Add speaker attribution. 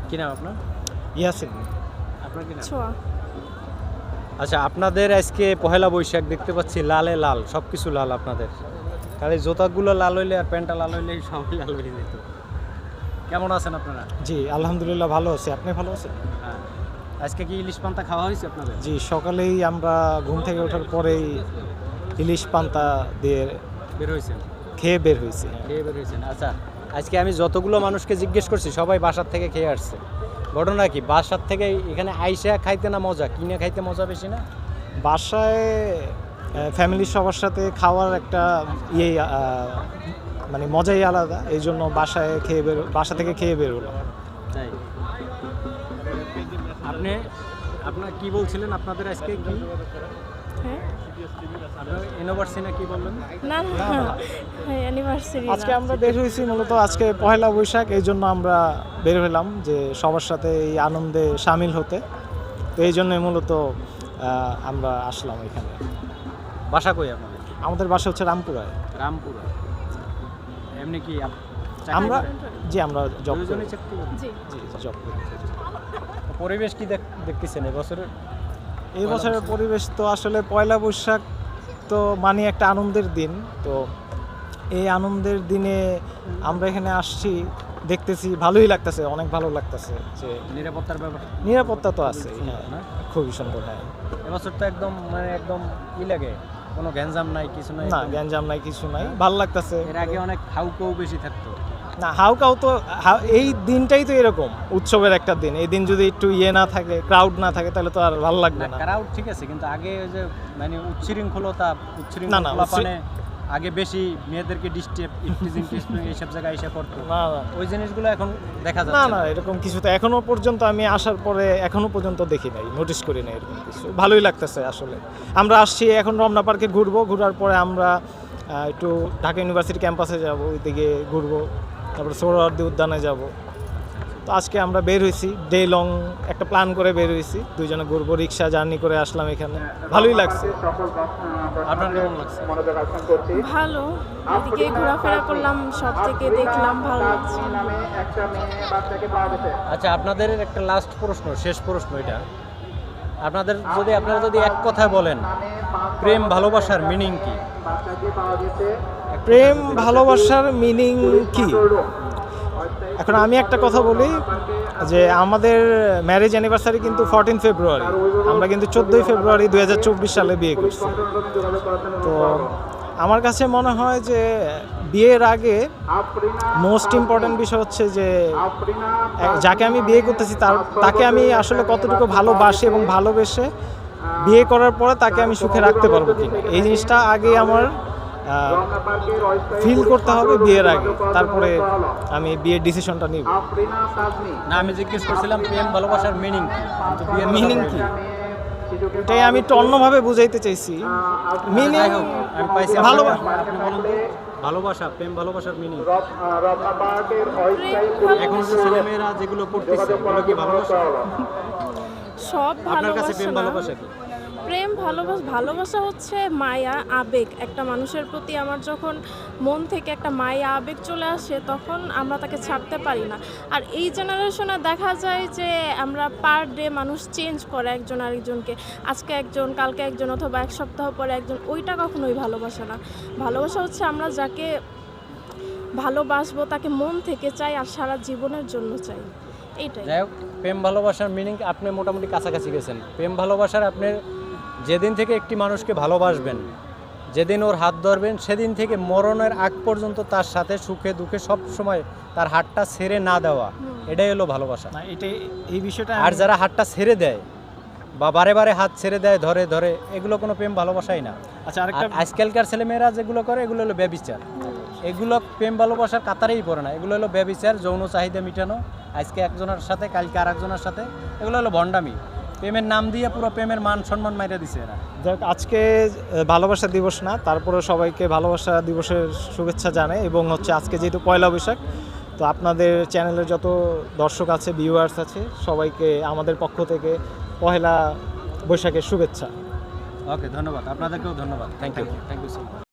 Speaker 1: কি নাম আপনার?
Speaker 2: ইয়াসিন।
Speaker 1: আপনার কি নাম?
Speaker 3: ছোঁয়া।
Speaker 1: আচ্ছা, আপনাদের আজকে পহেলা বৈশাখ দেখতে পাচ্ছি লালে লাল, সব কিছু লাল আপনাদের। খালি জুতাগুলো লাল হইলে আর প্যান্টটা লাল হইলে সবই লাল হয়ে যেত। কেমন আছেন আপনারা?
Speaker 2: জি আলহামদুলিল্লাহ ভালো আছি। আপনি ভালো আছেন?
Speaker 1: হ্যাঁ। আজকে কি ইলিশ পান্তা খাওয়া হয়েছে আপনাদের?
Speaker 2: জি সকালেই আমরা ঘুম থেকে ওঠার পরেই ইলিশ পান্তা দিয়ে
Speaker 1: বের হয়েছেন?
Speaker 2: খেয়ে বের হয়েছি।
Speaker 1: খেয়ে বের হয়েছেন। আচ্ছা, আজকে আমি যতগুলো মানুষকে জিজ্ঞেস করছি সবাই বাসার থেকে খেয়ে আসছে। ঘটনা কি, বাসার থেকে এখানে আইসা খাইতে না মজা, কিনে খাইতে মজা বেশি না?
Speaker 2: বাসায় ফ্যামিলির সবার সাথে খাওয়ার একটা মানে মজাই আলাদা, এই জন্য বাসা থেকে খেয়ে বের হলাম।
Speaker 1: তাই আপনার কি বলছিলেন? আপনাদের আজকে কি
Speaker 3: হ্যাঁ
Speaker 1: আপনার ইউনিভার্সিটি না কি বললেন?
Speaker 3: না না অ্যানিভার্সারি
Speaker 2: আজকে আমরা বের হয়েছি মূলত আজকে পহেলা বৈশাখ, এই জন্য আমরা বের হলাম যে সবার সাথে এই আনন্দে সামিল হতে। তো এই জন্যই মূলত আমরা আসলাম এখানে।
Speaker 1: বাসা কই আপনাদের?
Speaker 2: আমাদের বাসা হচ্ছে রামপুরায়।
Speaker 1: রামপুরা। এমনি কি
Speaker 2: আমরা আমরা জব করি।
Speaker 1: দুজনেই চাকরি করেন?
Speaker 3: জি
Speaker 2: জি জব করি।
Speaker 1: পরিবেশ কি দেখতেছেন এবছরের?
Speaker 2: এই বছরের পরিবেশ তো আসলে পয়লা বৈশাখ তো মানে একটা আনন্দের দিন। তো এই আনন্দের দিনে আমরা এখানে আসছি, দেখতেছি ভালোই লাগতেছে, অনেক ভালো লাগতেছে। যে
Speaker 1: নিরাপত্তার ব্যাপার?
Speaker 2: নিরাপত্তা তো আছে, হ্যাঁ
Speaker 1: না?
Speaker 2: খুবই সুন্দর। হ্যাঁ
Speaker 1: এবছর তো একদম একদম লাগে, কোনো গ্যাঞ্জাম নাই, কিছু নাই।
Speaker 2: না গ্যাঞ্জাম নাই, কিছু নাই, ভালো লাগতেছে।
Speaker 1: এর আগে অনেক হাউকাউ বেশি থাকতো।
Speaker 2: না হাউকাউ তো এই দিনটাই তো এরকম উৎসবের একটা দিন। এই দিন যদি একটু না থাকে, ক্রাউড না থাকে, তাহলে তো আর ভালো লাগবে না।
Speaker 1: ক্রাউড ঠিক আছে, কিন্তু আগে ওই যে উচ্ছৃঙ্খলতা
Speaker 2: না,
Speaker 1: আগে বেশি মেয়েদেরকে ডিস্টার্ব এইসব জায়গায় এসে করতো।
Speaker 2: না
Speaker 1: ওই জিনিসগুলো এখন দেখা
Speaker 2: না
Speaker 1: যাচ্ছে
Speaker 2: না এরকম কিছু তো এখনো পর্যন্ত আমি আসার পরে এখনো পর্যন্ত দেখি নাই, নোটিস করি নাই এরকম কিছু। ভালোই লাগতেছে আসলে। আমরা আসছি এখন রমনা পার্কে ঘুরবো, ঘোরার পরে আমরা একটু ঢাকা ইউনিভার্সিটি ক্যাম্পাসে যাব, ওইদিকে ঘুরবো, তারপরে সোহরাওয়ার্দী উদ্যানে যাব। তো আজকে আমরা বের হয়েছি, ডে লং একটা প্ল্যান করে বের হয়েছি, দুইজনে ঘুরবো, রিক্সা জার্নি করে আসলাম এখানে, ভালোই লাগছে।
Speaker 1: আপনার কেমন লাগছে?
Speaker 3: ভালো, এদিকে ঘোরাফেরা করলাম, সব থেকে দেখলাম, ভালো লাগছে।
Speaker 1: আচ্ছা, আপনাদের একটা লাস্ট প্রশ্ন, শেষ প্রশ্ন এটা। আপনারা যদি এক কথায় বলেন প্রেম ভালোবাসার মিনিং কি?
Speaker 2: প্রেম ভালোবাসার মিনিং কি? এখন আমি একটা কথা বলি যে আমাদের ম্যারেজ অ্যানিভার্সারি কিন্তু 14 ফেব্রুয়ারি, আমরা কিন্তু 14 ফেব্রুয়ারি 2024 সালে বিয়ে করছি। তো আমার কাছে মনে হয় যে বিয়ের আগে মোস্ট ইম্পর্ট্যান্ট বিষয় হচ্ছে যে যাকে আমি বিয়ে করতেছি তাকে আমি আসলে কতটুকু ভালোবাসি এবং ভালোবেসে বিয়ে করার পরে তাকে আমি সুখে রাখতে পারবো কিনা, এই জিনিসটা আগে আমার ফিল করতে হবে বিয়ের আগে, তারপরে আমি বিয়ের ডিসিশনটা নিব।
Speaker 1: না, আমি জিজ্ঞেস করছিলাম প্রেম ভালোবাসার মিনিং কি, কিন্তু বিয়ের
Speaker 2: মিনিং কি এটাই আমি একটু অন্যভাবে বুঝাইতে চাইছি। মিনিং
Speaker 1: আমি পাইছি।
Speaker 2: ভালোবাসা।
Speaker 1: আপনি বলুন তো, ভালোবাসা, প্রেম ভালোবাসার মিনিং।
Speaker 3: প্রেম
Speaker 1: এখন যে ছেলেমেয়েরা যেগুলো করতেছে ওগুলো কি ভালোবাসা?
Speaker 3: সব
Speaker 1: আপনার কাছে প্রেম
Speaker 3: ভালোবাসা
Speaker 1: ভালোবাসা
Speaker 3: না।
Speaker 1: কি?
Speaker 3: প্রেম ভালোবাসা হচ্ছে মায়া, আবেগ। একটা মানুষের প্রতি আমার যখন মন থেকে একটা মায়া আবেগ চলে আসে, তখন আমরা তাকে ছাড়তে পারি না। আর এই জেনারেশনে দেখা যায় যে আমরা পার ডে মানুষ চেঞ্জ করে একজন আরেকজনকে, আজকে একজন, কালকে একজন, অথবা এক সপ্তাহ পরে একজন। ওইটা কখনোই ভালোবাসা না। ভালোবাসা হচ্ছে আমরা যাকে ভালোবাসবো তাকে মন থেকে চাই আর সারা জীবনের জন্য চাই, এইটাই।
Speaker 1: যাই হোক, প্রেম ভালোবাসার মিনিং আপনি মোটামুটি কাছাকাছি গেছেন। প্রেম ভালোবাসার আপনি যেদিন থেকে একটি মানুষকে ভালোবাসবেন, যেদিন ওর হাত ধরবেন, সেদিন থেকে মরণের আগ পর্যন্ত তার সাথে সুখে দুঃখে সব সময় তার হাতটা ছেড়ে না দেওয়া, এটাই হলো ভালোবাসা।
Speaker 2: না এটাই এই বিষয়টা।
Speaker 1: আর যারা হাতটা ছেড়ে দেয় বা বারে বারে হাত ছেড়ে দেয় ধরে ধরে, এগুলো কোনো প্রেম ভালোবাসাই না।
Speaker 2: আচ্ছা আরেকটা,
Speaker 1: আজকালকার ছেলেমেয়েরা যেগুলো করে এগুলো হলো ব্যভিচার। এগুলো প্রেম ভালোবাসার কাতারেই পড়ে না, এগুলো হলো ব্যভিচার, যৌন চাহিদা মিটানো, আজকে একজনের সাথে কালকে আর একজনের সাথে, এগুলো হলো ভণ্ডামি। প্রেমের নাম দিয়ে পুরো প্রেমের মান সম্মান মাইরা দিছে এরা।
Speaker 2: যাক আজকে ভালোবাসা দিবস না, তারপরে সবাইকে ভালোবাসা দিবসের শুভেচ্ছা জানাই। এবং হচ্ছে আজকে যেহেতু পয়লা বৈশাখ, তো আপনাদের চ্যানেলের যত দর্শক আছে, ভিউয়ার্স আছে, সবাইকে আমাদের পক্ষ থেকে পহেলা বৈশাখের শুভেচ্ছা।
Speaker 1: ওকে, ধন্যবাদ। আপনাদেরকেও ধন্যবাদ। Thank you so much.